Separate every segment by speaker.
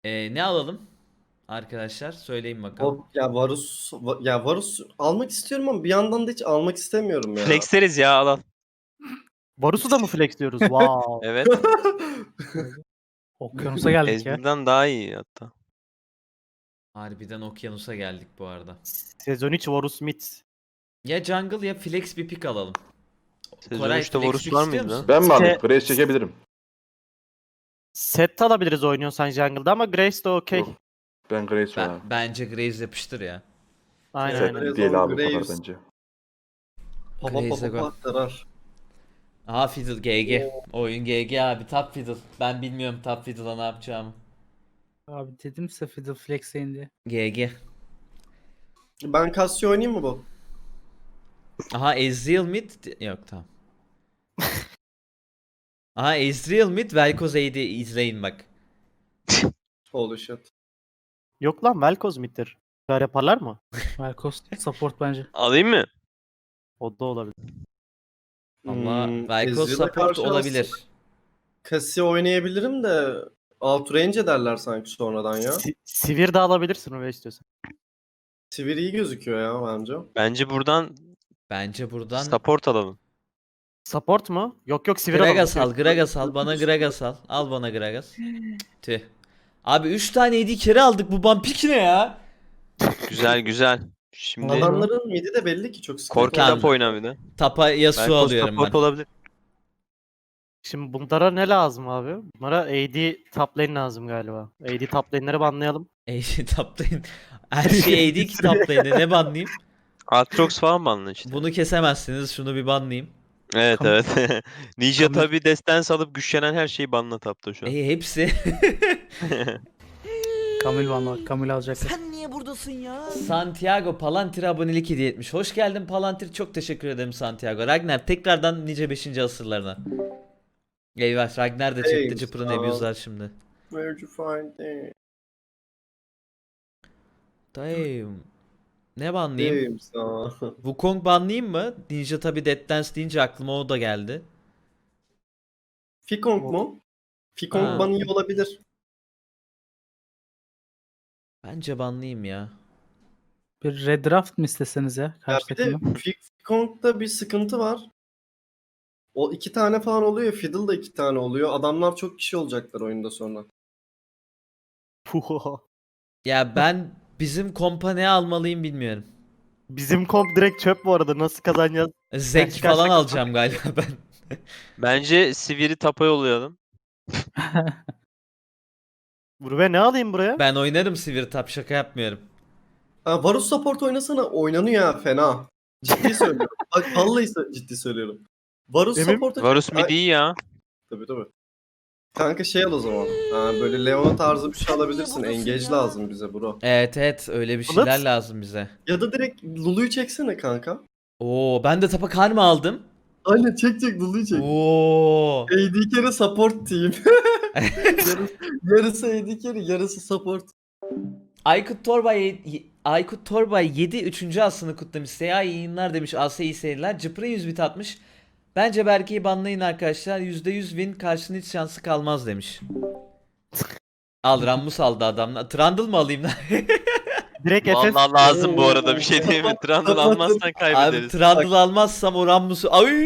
Speaker 1: Ne alalım? Arkadaşlar söyleyin bakalım.
Speaker 2: Varus almak istiyorum ama bir yandan da hiç almak istemiyorum ya.
Speaker 3: Flexleriz ya al al.
Speaker 4: Varus'u da mı flex diyoruz? Wow.
Speaker 3: Evet.
Speaker 5: Okyanusa geldik ya.
Speaker 3: Ezreal'dan daha iyi hatta.
Speaker 1: Harbiden okyanusa geldik bu arada.
Speaker 4: Sezon 3 Varus mid.
Speaker 1: Ya jungle ya flex bir pick alalım.
Speaker 3: Sezon
Speaker 1: Koray
Speaker 3: 3'te
Speaker 1: flex
Speaker 3: Varus
Speaker 1: pick
Speaker 3: var
Speaker 1: istiyor
Speaker 3: mıydı
Speaker 1: musun?
Speaker 3: lan?
Speaker 6: Ben mi alayım?
Speaker 4: İşte-
Speaker 6: Grace çekebilirim.
Speaker 4: Set alabiliriz oynuyorsan jungle'da ama Grace de okey.
Speaker 6: Yok. Ben Grace oynarım.
Speaker 1: Bence Graves yapıştır ya.
Speaker 4: Aynen
Speaker 2: Evet.
Speaker 4: aynen.
Speaker 6: Set değil abi bu kadar
Speaker 2: Graves.
Speaker 6: bence.
Speaker 1: Grace'e go.
Speaker 2: Aktarar.
Speaker 1: Aha Fiddle GG. Oyun GG abi top Fiddle. Ben bilmiyorum top Fiddle'a ne yapacağımı.
Speaker 5: Abi dedim size Fiddle Flex'e indi.
Speaker 1: GG.
Speaker 2: Ben Cassio oynayayım mı bu?
Speaker 1: Aha Ezreal mid. Yok tamam. Aha Ezreal mid Vel'Koz AD izleyin bak.
Speaker 2: Holy shit.
Speaker 4: Yok lan Vel'Koz middir. Böyle yaparlar mı?
Speaker 5: Vel'Koz support bence.
Speaker 3: Alayım mı?
Speaker 4: O da olabilir.
Speaker 1: Ama Vel'Koz
Speaker 2: Ezreal'a
Speaker 1: support
Speaker 2: karşı
Speaker 1: olabilir.
Speaker 2: aslında Cassio oynayabilirim de outrange ederler sanki sonradan ya.
Speaker 4: Sivir de alabilirsin öyle istiyorsan.
Speaker 2: Sivir iyi gözüküyor ya bence.
Speaker 3: Bence buradan
Speaker 1: Bence buradan
Speaker 3: support alalım.
Speaker 4: Support mu? Yok yok Sivir
Speaker 1: Gragas
Speaker 4: alalım.
Speaker 1: al, Gragas al. Bana Gragas al. Al bana Gragas. Tüh. Abi 3 tane AD carry aldık. Bu bumpik ne ya?
Speaker 3: Güzel güzel. Şimdi
Speaker 2: Adamların midi de belli ki çok sıkıntı.
Speaker 3: Korki
Speaker 1: Tamam.
Speaker 3: tap oyna bir de.
Speaker 1: Tapa Yasuo
Speaker 3: Vel'Koz
Speaker 1: alıyorum
Speaker 3: support
Speaker 1: ben.
Speaker 3: olabilir.
Speaker 4: Şimdi bunlara ne lazım abi? Bunlara AD top lane lazım galiba. AD top lane'leri banlayalım.
Speaker 1: AD taplayın. Her şey AD ki taplayın. Ne banlayayım?
Speaker 3: Aatrox falan mı alın işte?
Speaker 1: Bunu kesemezsiniz. Şunu bir banlayayım.
Speaker 3: Evet
Speaker 5: Kam-
Speaker 3: evet. Ninja
Speaker 5: Kam-
Speaker 3: tabi destans alıp güçlenen her şeyi banla tapta şu an.
Speaker 1: Hepsi.
Speaker 5: Kamil banla bak. Kamil alacaklar.
Speaker 1: Sen niye buradasın ya? Santiago Palantir abonelik hediye etmiş. Hoş geldin Palantir. Çok teşekkür ederim Santiago. Ragnar tekrardan nice 5. asırlarına. Eyvah Ragnar da
Speaker 2: Hey,
Speaker 1: çekti cıpırın
Speaker 2: sağ ol.
Speaker 1: abuzlar şimdi.
Speaker 2: Where'd you find it?
Speaker 1: Damn. Ne banlayayım?
Speaker 2: Diyeyim sana.
Speaker 1: Wukong banlayayım mı? Ninja tabi Dead Dance deyince aklıma o da geldi.
Speaker 2: Fikong mu? Fikong
Speaker 1: Ha.
Speaker 2: bana iyi olabilir.
Speaker 1: Bence banlayayım ya.
Speaker 5: Bir red draft mı isteseniz ya?
Speaker 2: Ya
Speaker 5: Karşı
Speaker 2: bir de
Speaker 5: takımdan.
Speaker 2: Fikong'da bir sıkıntı var. O 2 tane falan oluyor. Fiddle da 2 tane oluyor. Adamlar çok kişi olacaklar oyunda sonra.
Speaker 4: Puh.
Speaker 1: Ya ben bizim kompa ne almalıyım bilmiyorum.
Speaker 4: Bizim komp direkt çöp bu arada. Nasıl kazanacağız?
Speaker 1: Zek
Speaker 4: çıkarsak
Speaker 1: falan
Speaker 4: kazan-
Speaker 1: alacağım galiba ben.
Speaker 3: Bence Sivir'i tapa yollayalım.
Speaker 4: Buraya ne alayım buraya?
Speaker 1: Ben oynarım Sivir Tap şaka yapmıyorum.
Speaker 2: Ha, Varus support oynasana. Oynanıyor ya fena. Ciddi söylüyorum. Bak vallahi ciddi söylüyorum. Varus
Speaker 4: Emin-
Speaker 2: support'a
Speaker 3: Varus mid iyi ya.
Speaker 2: Tabii. Kanka şey al o zaman. Ha, böyle Leona tarzı bir şey alabilirsin. Engage lazım bize bro.
Speaker 1: Evet öyle bir
Speaker 4: Bulut.
Speaker 1: şeyler lazım bize.
Speaker 2: Ya da direkt Lulu'yu çeksene kanka.
Speaker 1: Oo ben de tapa kar mı aldım?
Speaker 2: Aynen çek Lulu'yu çek.
Speaker 1: Oo.
Speaker 2: AD carry support team. yarısı AD carry, yarısı support.
Speaker 1: Aykut Torbay 7 3. aslını kutlamış. Seha iyi yayınlar demiş. Asya iyi seyirler. Cıpır'ın 100 bit atmış. Bence Berke'yi banlayın arkadaşlar. %100 win karşının hiç şansı kalmaz demiş. Al Rammus aldı adamlar. Trundle mı alayım lan?
Speaker 4: Direkt FF.
Speaker 3: Vallahi lazım bu arada bir şey değil mi? Trundle almazsan
Speaker 1: Abi
Speaker 3: kaybederiz.
Speaker 1: Trundle almazsam o Rammus'u... Ay!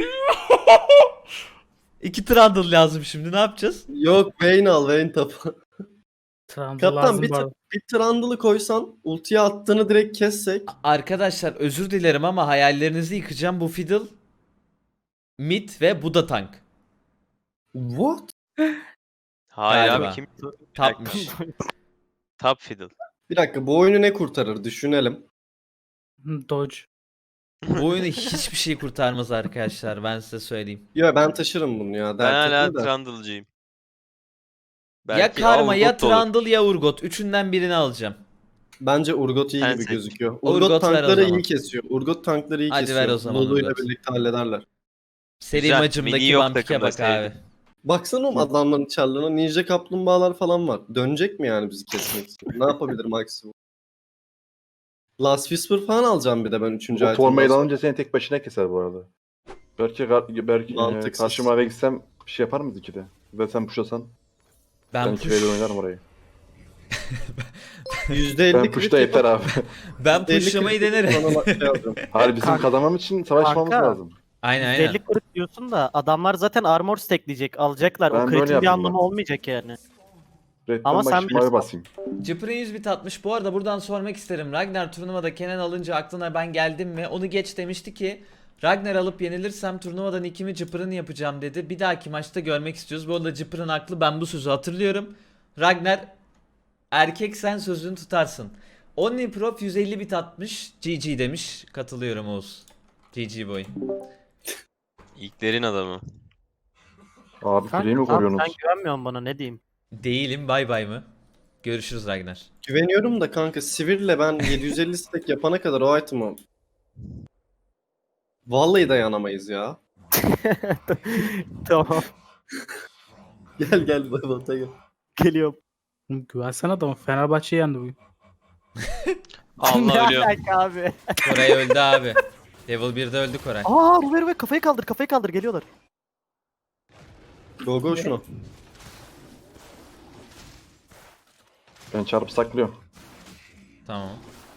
Speaker 1: 2 Trundle lazım şimdi ne yapacağız?
Speaker 2: Yok Vayne al Vayne tapı.
Speaker 5: Trundle
Speaker 2: Kaptan
Speaker 5: lazım
Speaker 2: bir,
Speaker 5: bu arada.
Speaker 2: bir Trundle'ı koysan ultiye attığını direkt kessek.
Speaker 1: Arkadaşlar özür dilerim ama hayallerinizi yıkacağım. Bu Fiddle mid ve bu da tank.
Speaker 2: What?
Speaker 3: Hayır
Speaker 1: Galiba.
Speaker 3: abi kim?
Speaker 1: Tapmış.
Speaker 3: Top fiddle.
Speaker 2: Bir dakika bu oyunu ne kurtarır düşünelim.
Speaker 5: Dodge.
Speaker 1: Bu oyunu hiçbir şey kurtarmaz arkadaşlar ben size söyleyeyim.
Speaker 2: Yo ben taşırım bunu ya.
Speaker 3: Ben
Speaker 2: Dert
Speaker 3: hala
Speaker 2: etme de.
Speaker 3: Trundle'cıyım.
Speaker 1: Ya
Speaker 3: Belki
Speaker 1: Karma ya
Speaker 3: Urgot da olur.
Speaker 1: Trundle ya Urgot. Üçünden birini alacağım.
Speaker 2: Bence Urgot iyi
Speaker 3: Sen
Speaker 2: gibi
Speaker 3: seç.
Speaker 2: gözüküyor.
Speaker 1: Urgot
Speaker 2: Urgot
Speaker 1: ver o
Speaker 2: tankları
Speaker 1: zaman.
Speaker 2: iyi kesiyor. Urgot tankları iyi
Speaker 1: Hadi
Speaker 2: kesiyor.
Speaker 1: ver o zaman
Speaker 2: Lulu'yla
Speaker 1: Urgot.
Speaker 2: birlikte hallederler.
Speaker 1: Seri
Speaker 3: Güzel,
Speaker 1: macımdaki
Speaker 3: mini yok
Speaker 1: vampike
Speaker 3: takımda,
Speaker 1: bak abi.
Speaker 3: sevdim.
Speaker 2: Baksana oğlum adamların çarlarına ninja kaplumbağalar falan var. Dönecek mi yani bizi kesmek için? Ne yapabilir maksimum? Last Whisper falan alacağım bir de ben 3.
Speaker 6: O
Speaker 2: item'dan
Speaker 6: formayı
Speaker 2: sonra.
Speaker 6: alınca seni tek başına keser bu arada. Belki
Speaker 2: Mantıksız.
Speaker 6: karşıma eve gitsem bir şey yapar mıyız ikide? Ve sen pushlasan ben
Speaker 1: Ben
Speaker 6: 2v1 oynarım orayı.
Speaker 2: %50
Speaker 6: Ben
Speaker 2: crit
Speaker 6: push'ta yeter abi.
Speaker 1: Ben
Speaker 2: 50
Speaker 1: pushlamayı
Speaker 2: crit
Speaker 1: denerim.
Speaker 2: sonra şey alacağım.
Speaker 6: Hayır bizim
Speaker 4: Kanka-
Speaker 6: kazanmam için savaşmamız
Speaker 4: Kanka.
Speaker 6: lazım.
Speaker 1: Aynen aynen.
Speaker 4: %50 kırık diyorsun da adamlar zaten armor stackleyecek. Alacaklar.
Speaker 6: Ben
Speaker 4: O
Speaker 6: böyle
Speaker 4: kritin bir
Speaker 6: yapayım
Speaker 4: anlamı
Speaker 6: bak.
Speaker 4: olmayacak yani.
Speaker 6: Red'den
Speaker 4: Ama sen
Speaker 6: başlayayım
Speaker 4: bilirsin.
Speaker 6: mavi basayım.
Speaker 1: Cıpır'ın 100 bit atmış. Bu arada buradan sormak isterim. Ragnar turnuvada Kenan alınca aklına ben geldim mi? Onu geç demişti ki Ragnar alıp yenilirsem turnuvadan ikimi Cıpır'ın yapacağım dedi. Bir dahaki maçta görmek istiyoruz. Bu arada Cıpır'ın haklı. Ben bu sözü hatırlıyorum. Ragnar erkek sen sözünü tutarsın. OnlyProf 150 bit atmış. GG demiş. Katılıyorum Oğuz. GG boy.
Speaker 3: İlklerin adamı.
Speaker 6: Abi
Speaker 4: Kanka,
Speaker 6: kuleyi mi
Speaker 4: tamam,
Speaker 6: koruyorsunuz?
Speaker 4: sen güvenmiyorsun bana, ne diyeyim.
Speaker 1: Değilim, bay bay mı? Görüşürüz Ragnar.
Speaker 2: Güveniyorum da kanka Sivir'le ben 750 stack yapana kadar o item'ı vallahi dayanamayız ya.
Speaker 4: Tamam.
Speaker 2: Gel gel bota gel.
Speaker 4: Geliyorum.
Speaker 5: Güvensene adamı. Fenerbahçe yendi bugün.
Speaker 3: Allah
Speaker 4: Ne
Speaker 3: ölüyor.
Speaker 4: alaka abi?
Speaker 1: Koray öldü abi. Level 1'de öldü Koray.
Speaker 4: Aa Ruber kafayı kaldır geliyorlar.
Speaker 2: Go go şunu.
Speaker 6: Ben çarpı saklıyorum.
Speaker 1: Tamam.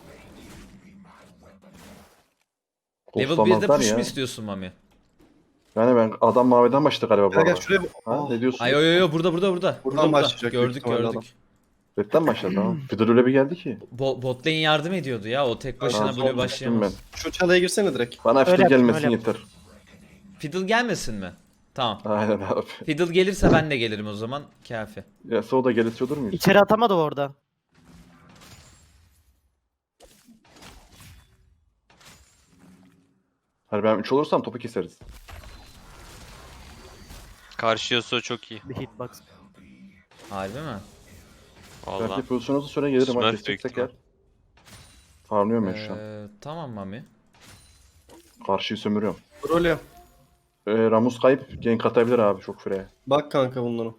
Speaker 1: Level
Speaker 6: Ghostlamazlar
Speaker 1: 1'de push
Speaker 6: ya.
Speaker 1: mu istiyorsun Mami?
Speaker 6: Yani ben adam maviden başladı galiba bu
Speaker 2: Gel gel
Speaker 6: arada.
Speaker 2: şuraya.
Speaker 6: Ha, ne diyorsun?
Speaker 1: Ay yo yo yo burada.
Speaker 2: Buradan başlayacak büyük
Speaker 1: Gördük
Speaker 2: ihtimalle
Speaker 1: gördük.
Speaker 2: adam.
Speaker 6: Red'den başladı tamam. Fiddle öyle bir geldi ki.
Speaker 1: Bot lane yardım ediyordu ya. O tek başına
Speaker 6: Aa,
Speaker 1: böyle
Speaker 6: son düştüm
Speaker 1: başlayamaz.
Speaker 2: Şu çalaya girsene direkt.
Speaker 6: Bana
Speaker 4: Öyle
Speaker 6: fiddle
Speaker 4: yaptım,
Speaker 6: gelmesin
Speaker 4: öyle
Speaker 6: yeter.
Speaker 1: Fiddle gelmesin mi? Tamam.
Speaker 6: Aynen abi.
Speaker 1: Fiddle gelirse ben de gelirim o zaman. Kafi.
Speaker 6: Ya o da gelirse olur muyuz?
Speaker 4: İçeri atamadı orada.
Speaker 6: Hani ben 3 olursam topu keseriz.
Speaker 3: Karşı Yasuo çok iyi.
Speaker 4: Bir hitbox.
Speaker 1: Harbi mi?
Speaker 3: Vallahi.
Speaker 6: Belki pozisyonunuza sonra gelirim.
Speaker 3: Smurf
Speaker 6: Ha
Speaker 3: büyük
Speaker 6: keseceksek
Speaker 3: ihtimal.
Speaker 6: eğer. Farmlıyorum ben şu an.
Speaker 1: Tamam Mami.
Speaker 6: Karşıyı sömürüyorum.
Speaker 2: Rolya.
Speaker 6: Ramus kayıp gank atabilir abi çok freye.
Speaker 2: Bak kanka bunlara.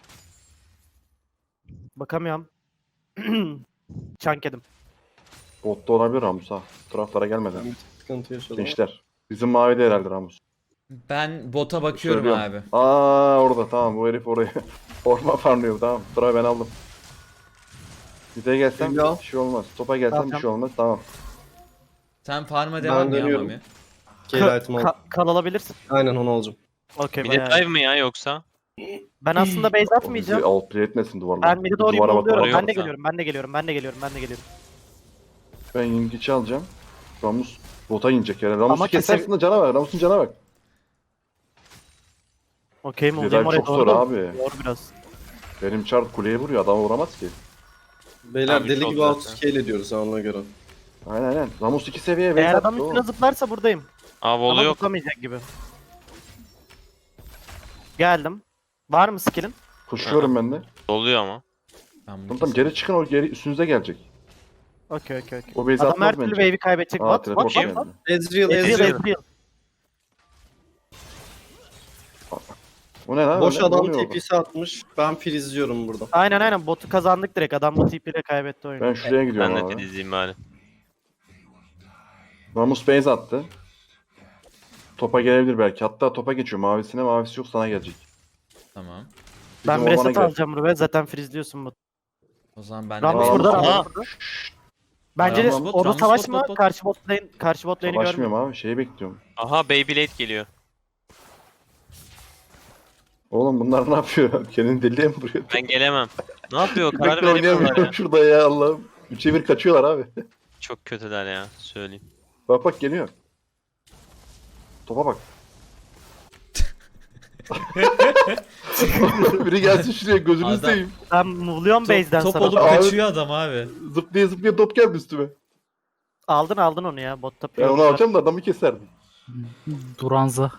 Speaker 4: Bakamıyorum. Çank yedim.
Speaker 6: Botta olabilir Ramus ha. Bu taraflara gelmeden.
Speaker 2: Ben bir sıkıntı yaşadım.
Speaker 6: Gençler. Bizim mavide herhalde Ramus.
Speaker 1: Ben bota bakıyorum
Speaker 6: Söylüyorum.
Speaker 1: abi.
Speaker 6: Aa orada tamam bu herif oraya. Orman farmlıyor tamam. Sıra ben aldım. Bize gelsem
Speaker 2: Ya.
Speaker 6: bir şey olmaz. Topa gelsem bir
Speaker 4: Tamam.
Speaker 6: şey olmaz tamam.
Speaker 1: Sen farm'a devam ya
Speaker 2: dönüyorum.
Speaker 1: Mami.
Speaker 2: Gel item al.
Speaker 4: Kal alabilirsin.
Speaker 2: Aynen onu alacağım.
Speaker 4: Okey
Speaker 3: Bir de
Speaker 4: bayağı.
Speaker 3: dive mi ya yoksa?
Speaker 4: Ben aslında base
Speaker 6: Bizi
Speaker 4: atmayacağım.
Speaker 6: outplay etmesin duvarlar.
Speaker 4: Ben mid'e doğru
Speaker 6: Duvara
Speaker 4: yolluyorum.
Speaker 6: bakarak.
Speaker 4: Ben de
Speaker 1: Sen.
Speaker 4: geliyorum. Ben de geliyorum.
Speaker 6: Ben yengeçi alacağım. Ramus bota inecek yani. Ramus'u
Speaker 4: Ama
Speaker 6: kesersin de cana bak. Ramus'un cana bak.
Speaker 4: Okey mi?
Speaker 6: Dive
Speaker 4: Olayım oraya
Speaker 6: çok zor
Speaker 4: doğru.
Speaker 6: abi.
Speaker 4: Doğru biraz.
Speaker 6: Benim çarp kuleye vuruyor. Adam vuramaz ki.
Speaker 2: Beyler
Speaker 3: Abi
Speaker 2: deli
Speaker 3: çok
Speaker 2: gibi
Speaker 3: zaten.
Speaker 2: outscale ediyoruz ha ona göre.
Speaker 6: Aynen. Ramus 2 seviye
Speaker 4: Eğer
Speaker 6: base
Speaker 4: adam
Speaker 6: attı
Speaker 4: üstüne
Speaker 6: oğlum.
Speaker 4: zıplarsa buradayım.
Speaker 3: Aa
Speaker 4: Ama
Speaker 3: volu yok.
Speaker 4: tutamayacak gibi. Geldim. Var mı skill'in?
Speaker 6: Koşuyorum ben de.
Speaker 3: Doluyor ama.
Speaker 1: Ben bunu
Speaker 6: Tamam geri çıkın o geri üstünüze gelecek.
Speaker 4: Okey.
Speaker 6: O base
Speaker 4: Adam her
Speaker 6: atmaz
Speaker 4: türlü
Speaker 6: bence.
Speaker 4: wave'i kaybedecek.
Speaker 6: Aa
Speaker 4: What?
Speaker 6: teleport
Speaker 3: Kim?
Speaker 6: geldi.
Speaker 2: Ezreal
Speaker 4: Ezreal.
Speaker 6: O ne lan?
Speaker 2: Boş
Speaker 6: öyle? Ne
Speaker 2: adam
Speaker 6: oluyor orada?
Speaker 2: TP'si atmış. Ben izliyorum burada.
Speaker 4: Aynen. Botu kazandık direkt. Adam bu tipiyle kaybetti oyunu.
Speaker 6: Ben şuraya gidiyorum
Speaker 3: Ben de
Speaker 6: abi.
Speaker 3: filizleyeyim bari.
Speaker 6: Ramus base attı. Topa gelebilir belki. Hatta topa geçiyor. Mavisine mavisi yok sana gelecek.
Speaker 1: Tamam.
Speaker 4: Ben
Speaker 6: Bizim
Speaker 4: bir
Speaker 6: ormana
Speaker 4: reset
Speaker 6: gel.
Speaker 4: alacağım Ruve. Zaten freezeliyorsun bu.
Speaker 1: O zaman ben
Speaker 4: Ramus
Speaker 6: Aa,
Speaker 4: burada.
Speaker 6: Ramus.
Speaker 4: Ramus burada. Bence
Speaker 1: Ramus bot,
Speaker 4: orada
Speaker 1: Ramus
Speaker 4: savaşma.
Speaker 1: bot.
Speaker 4: Karşı bot lane'i görmüyor.
Speaker 6: Savaşmıyorum abi. Şeyi bekliyorum.
Speaker 3: Aha Beyblade geliyor.
Speaker 6: Oğlum bunlar ne yapıyor? Kendini deliye mi vuruyor?
Speaker 3: Ben gelemem. Ne yapıyor? Karar
Speaker 6: Bekle
Speaker 3: veremiyorlar
Speaker 6: oynayamıyorum
Speaker 3: ya.
Speaker 6: şurada ya Allah'ım. 3'e 1 kaçıyorlar abi.
Speaker 3: Çok kötüler ya. Söyleyeyim.
Speaker 6: Bak geliyor. Topa bak. Biri gelsin şuraya gözünü
Speaker 1: Adam-
Speaker 6: seveyim.
Speaker 4: Ben move'luyorum base'den
Speaker 1: Top
Speaker 4: sana.
Speaker 1: olup
Speaker 6: Abi-
Speaker 1: kaçıyor adam abi.
Speaker 6: Zıplaya top geldi üstüme.
Speaker 4: Aldın onu ya. Botta
Speaker 6: Ben onu alacağım da adamı keserdim.
Speaker 5: Duranza.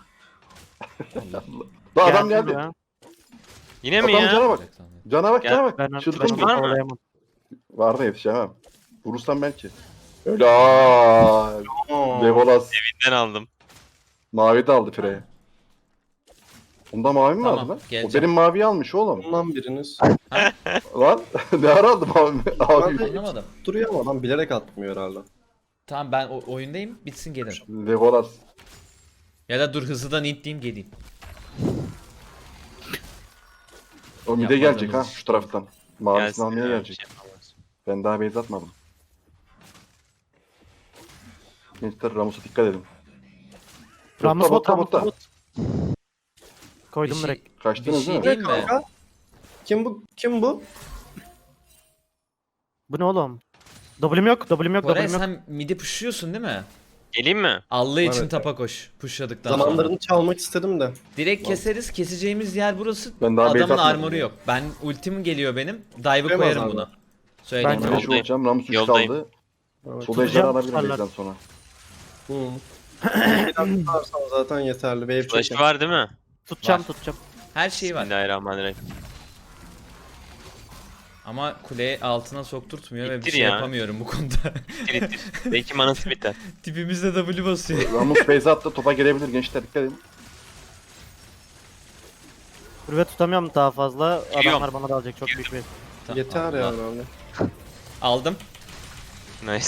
Speaker 6: Daha adam geldi.
Speaker 3: Yine mi
Speaker 6: Adam
Speaker 3: ya?
Speaker 6: cana bak. Cana bak
Speaker 3: Gel.
Speaker 6: cana bak.
Speaker 4: Ben
Speaker 6: Çılgın
Speaker 3: var mı?
Speaker 4: olayamam.
Speaker 6: Var da yetişemem. Vurursam belki. Öyle aaa. Legolas.
Speaker 3: Ben aldım.
Speaker 6: Mavi de aldı Frey'e. Bunda mavi mi
Speaker 1: Tamam,
Speaker 6: vardı lan? O
Speaker 1: geleceğim.
Speaker 6: benim maviyi almış oğlum.
Speaker 2: Bundan biriniz.
Speaker 6: Lan ne ara aldı mavi? Abi.
Speaker 1: Anlamadım.
Speaker 2: Duruyor ama adam bilerek atmıyor herhalde.
Speaker 1: Tamam ben oyundayım. Bitsin gelin.
Speaker 6: Legolas.
Speaker 1: Ya da dur hızlıdan intleyeyim geleyim.
Speaker 6: O mide gelecek ha
Speaker 1: Yapmadığımız
Speaker 6: şu taraftan. Mavisini
Speaker 3: Gelsin
Speaker 6: almaya
Speaker 3: ya,
Speaker 6: gelecek.
Speaker 3: bir şey yapamam.
Speaker 6: Ben daha base atmadım. Gençler Ramus'a dikkat edin.
Speaker 4: Ramus bot,
Speaker 6: botta,
Speaker 4: Ramus
Speaker 6: botta.
Speaker 4: bot. Koydum
Speaker 1: Bir şey-
Speaker 4: direkt.
Speaker 1: Bir
Speaker 6: Kaçtınız
Speaker 1: şey
Speaker 6: değil mi?
Speaker 1: değil mi?
Speaker 2: Kanka. Kim bu? Kim bu?
Speaker 4: Bu ne oğlum? W'm yok, W'm yok,
Speaker 1: Koray
Speaker 4: W'm yok.
Speaker 1: sen midi pushuyorsun değil mi?
Speaker 3: Geleyim mi?
Speaker 1: Allah için
Speaker 2: Evet.
Speaker 1: tapa koş. Pushladıktan sonra.
Speaker 2: Zamanlarını çalmak istedim de.
Speaker 1: Direkt keseriz. Keseceğimiz yer burası.
Speaker 6: Ben daha base
Speaker 1: Adamın
Speaker 6: atmadım
Speaker 1: armoru
Speaker 6: ya.
Speaker 1: yok. Ben ultim geliyor benim. Dive'ı
Speaker 2: Koyamaz
Speaker 1: koyarım
Speaker 2: abi.
Speaker 1: buna. Söyleyeyim.
Speaker 4: Bence
Speaker 1: sana.
Speaker 6: Ben şu olacağım. Ramus 3
Speaker 3: Yoldayım.
Speaker 6: kaldı.
Speaker 2: Evet.
Speaker 6: Sol ejderi
Speaker 4: Tutacağım,
Speaker 6: alabilirim
Speaker 4: tutarlar.
Speaker 6: base'den sonra.
Speaker 2: Hı. Bir tutarsam zaten yeterli. Wave
Speaker 3: Flash'ı
Speaker 2: çekin.
Speaker 3: var değil mi?
Speaker 4: Tutacağım,
Speaker 1: Var.
Speaker 4: tutacağım.
Speaker 1: Her şey var.
Speaker 3: Bismillahirrahmanirrahim.
Speaker 1: Ama kuleyi altına sokturtmuyor ve bir
Speaker 3: İttir
Speaker 1: şey
Speaker 3: ya.
Speaker 1: yapamıyorum bu konuda.
Speaker 3: İttir ittir. Belki manası biter.
Speaker 1: Tipimizde W basıyor.
Speaker 6: Ramus base attı. Topa girebilir gençler. Dikkat edin.
Speaker 4: Kurve tutamıyorum daha fazla.
Speaker 3: Giriyorum.
Speaker 4: Adamlar bana da alacak çok büyük bir.
Speaker 1: Tamam,
Speaker 2: Yeter ya
Speaker 1: al.
Speaker 2: abi.
Speaker 1: Aldım.
Speaker 3: Nice.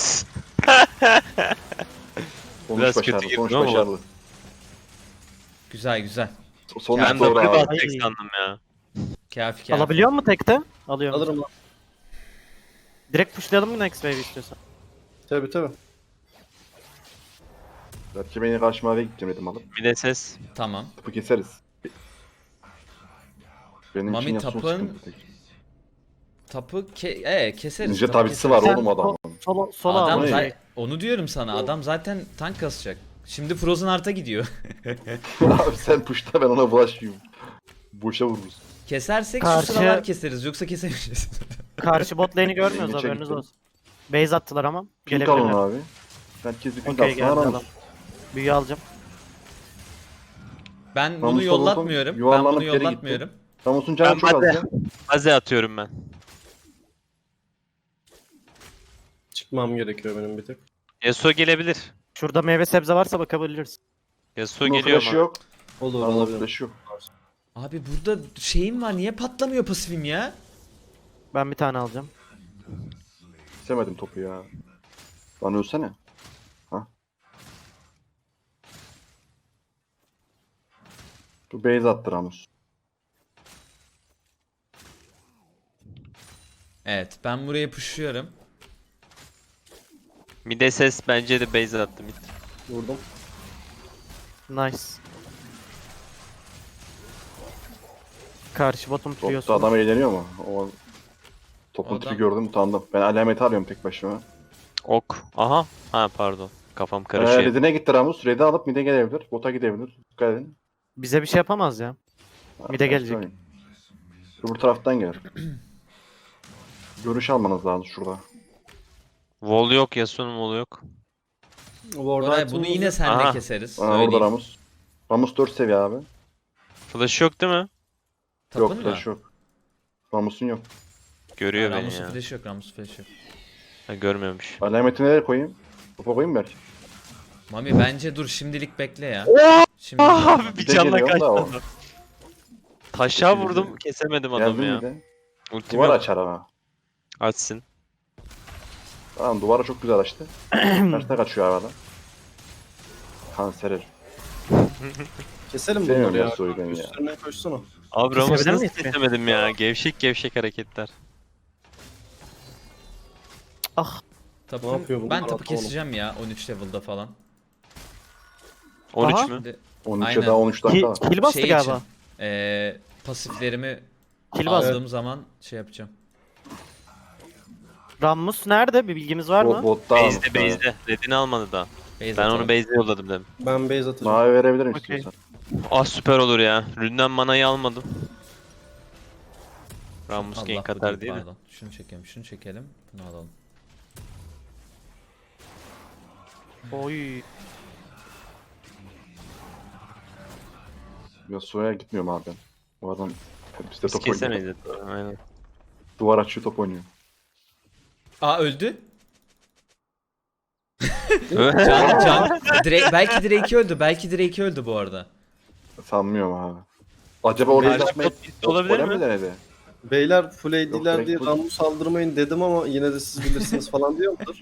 Speaker 6: Sonuç
Speaker 3: Biraz
Speaker 6: başarılı.
Speaker 3: kötü
Speaker 6: Sonuç
Speaker 3: girdim ama.
Speaker 6: başarılı.
Speaker 1: Güzel güzel.
Speaker 6: Sonuç
Speaker 3: Ben
Speaker 6: doğru
Speaker 3: W
Speaker 6: abi.
Speaker 3: basacak sandım ya.
Speaker 1: Kafi kafi.
Speaker 4: Alabiliyor mu tekte? Alıyorum.
Speaker 2: Alırım lan.
Speaker 4: Direkt pushlayalım mı next wave istiyorsan?
Speaker 2: Tabi tabi.
Speaker 6: Belki beni karşı maviye gideceğim dedim alıp.
Speaker 3: Bir de ses.
Speaker 1: Tamam.
Speaker 6: Topu keseriz. Benim
Speaker 1: Mami
Speaker 6: için Yasuo
Speaker 1: tapın-
Speaker 6: sıkıntı tek.
Speaker 1: Keseriz.
Speaker 6: Ninja
Speaker 1: tapu
Speaker 6: tabisi
Speaker 1: keseriz.
Speaker 6: var
Speaker 4: Sen
Speaker 6: oğlum adamın.
Speaker 4: Sola
Speaker 1: Adam
Speaker 4: al.
Speaker 1: za- onu diyorum sana. Adam zaten tank kasacak. Şimdi Frozen Heart'a gidiyor.
Speaker 6: Abi sen pushta ben ona bulaşmayayım. Boşa vururuz.
Speaker 1: Kesersek
Speaker 4: Karşı-
Speaker 1: şu sıralar keseriz. Yoksa kesemeyeceğiz.
Speaker 4: Karşı bot lane'i görmüyoruz
Speaker 6: Geçe
Speaker 4: haberiniz
Speaker 6: gittim.
Speaker 4: olsun. Base attılar ama.
Speaker 6: Pink alın
Speaker 4: Gelebilirler.
Speaker 6: abi. Herkes bir pink
Speaker 4: Okey
Speaker 6: atsın
Speaker 4: geldi
Speaker 6: aramız.
Speaker 4: adam. Büyü alacağım.
Speaker 1: Ben bunu
Speaker 6: Ramus'la
Speaker 1: yollatmıyorum. Ben
Speaker 6: yuvarlanıp
Speaker 1: bunu
Speaker 6: geri gitti.
Speaker 1: yollatmıyorum.
Speaker 6: Ramus'un canı
Speaker 3: Ben
Speaker 6: çok az
Speaker 3: hadi.
Speaker 6: ya.
Speaker 3: Haze atıyorum ben.
Speaker 2: Çıkmam gerekiyor benim bir tık.
Speaker 3: Yasuo gelebilir.
Speaker 4: Şurada meyve sebze varsa bakabiliriz.
Speaker 3: Yasuo
Speaker 6: Bunun
Speaker 3: geliyor
Speaker 6: flash'ı
Speaker 3: ama.
Speaker 6: yok.
Speaker 2: Olur
Speaker 6: Ramus'un
Speaker 2: olabilir.
Speaker 6: flash'ı yok.
Speaker 1: Abi burada şeyim var. Niye patlamıyor pasifim ya?
Speaker 4: Ben bir tane alacağım.
Speaker 6: İstemedim topu ya. Lan ölsene. Ha? Bu base attı Ramus.
Speaker 1: Evet. Ben buraya pushuyorum.
Speaker 3: Bir de ses bence de base attı mid.
Speaker 2: Vurdum.
Speaker 4: Nice. Karşı botum
Speaker 6: Topta
Speaker 4: tutuyorsun.
Speaker 6: adam eğleniyor mu? O topun
Speaker 1: Adam-
Speaker 6: tipi gördüm utandım. Ben alameti arıyorum tek başıma.
Speaker 3: Ok. Aha. Ha pardon. Kafam karışıyor.
Speaker 6: Red'ine gitti Ramus. Red'i alıp mid'e gelebilir. Bota gidebilir. Dikkat edin.
Speaker 4: Bize bir şey yapamaz ya. Mid'e gelecek.
Speaker 6: Söyleyeyim. Öbür taraftan gelir. Görüş almanız lazım şurada.
Speaker 3: Wall yok. Yasuo'nun wall'u yok.
Speaker 1: Koray bunu yine senle
Speaker 3: Aha.
Speaker 1: keseriz.
Speaker 6: Aa, orada
Speaker 1: Söyleyeyim.
Speaker 6: Ramus. Ramus 4 seviye abi.
Speaker 3: Flash yok değil mi?
Speaker 1: Tapın
Speaker 6: Yok
Speaker 1: mı?
Speaker 6: flash yok. Ramus'un yok.
Speaker 3: Görüyor beni
Speaker 1: Ramus'un
Speaker 3: ya.
Speaker 1: flash yok. Ramus'un flash yok.
Speaker 3: Ha, görmüyormuş.
Speaker 6: Alametini nereye koyayım? Topa koyayım belki.
Speaker 1: Mami bence dur şimdilik bekle ya. Şimdi
Speaker 3: Abi bir
Speaker 6: Bir de
Speaker 3: canla
Speaker 6: geliyorum da o.
Speaker 3: kaçtı. Taşa vurdum. Kesemedim adamı
Speaker 6: Geldim
Speaker 3: ya.
Speaker 6: bir de.
Speaker 3: Ultim
Speaker 6: Duvar
Speaker 3: yok.
Speaker 6: açar ama.
Speaker 3: Açsın.
Speaker 6: Tamam duvara çok güzel açtı. Terste kaçıyor havada. Kanser herif.
Speaker 2: Keselim
Speaker 6: Sevmiyorum
Speaker 2: bunları ya.
Speaker 6: Yasuo'yu ben ya.
Speaker 2: Üstlerine koşsana.
Speaker 3: Abi Ramus
Speaker 4: Kesebilir
Speaker 3: nasıl
Speaker 4: miyiz ki?
Speaker 3: kesemedim ya? Gevşek gevşek hareketler.
Speaker 4: Ah.
Speaker 1: tapın,
Speaker 2: Ne yapıyor bunlar?
Speaker 1: ben tapı
Speaker 2: Anlamadım.
Speaker 1: keseceğim ya 13 level'da falan.
Speaker 3: 13
Speaker 4: Aha.
Speaker 3: mü?
Speaker 1: Şimdi
Speaker 6: 13'e
Speaker 1: Aynen.
Speaker 6: daha 13 dakika var.
Speaker 4: Kill bastı
Speaker 1: şey
Speaker 4: galiba.
Speaker 1: için pasiflerimi
Speaker 4: Kill bastı.
Speaker 1: aldığım zaman şey yapacağım.
Speaker 4: Oh. Rammus nerede? Bir bilgimiz var mı?
Speaker 6: Botta almış.
Speaker 3: Base'de. Red'ini almadı daha.
Speaker 1: Base
Speaker 3: Ben
Speaker 1: atalım.
Speaker 3: onu base'de yolladım dedim.
Speaker 2: Ben base atacağım.
Speaker 6: Mavi verebilirim
Speaker 4: Okey.
Speaker 6: istiyorsan.
Speaker 3: Ah süper olur ya. Ründen manayı almadım. Ramus
Speaker 1: Allah,
Speaker 3: gank
Speaker 1: bu
Speaker 3: atar
Speaker 1: değil,
Speaker 3: değil mi?
Speaker 1: pardon. Şunu çekelim, şunu çekelim. Bunu alalım.
Speaker 4: Oy.
Speaker 6: Yasuo'ya gitmiyorum abi ben. Bu adam bizde
Speaker 3: Biz
Speaker 6: top oynuyor.
Speaker 3: kesemeyiz de. Aynen.
Speaker 6: Duvar açıyor top oynuyor.
Speaker 1: Aa öldü. Can belki Drake öldü. Belki Drake öldü bu arada.
Speaker 6: Sanmıyorum abi. Acaba orada
Speaker 3: Karşı
Speaker 6: yapmayı
Speaker 3: bot bitti olabilir
Speaker 6: Golem
Speaker 3: mi?
Speaker 6: mi denedi?
Speaker 2: Beyler full AD'ler
Speaker 6: direkt
Speaker 2: diye
Speaker 6: full.
Speaker 2: Ramus saldırmayın dedim ama yine de siz bilirsiniz falan diyor mudur?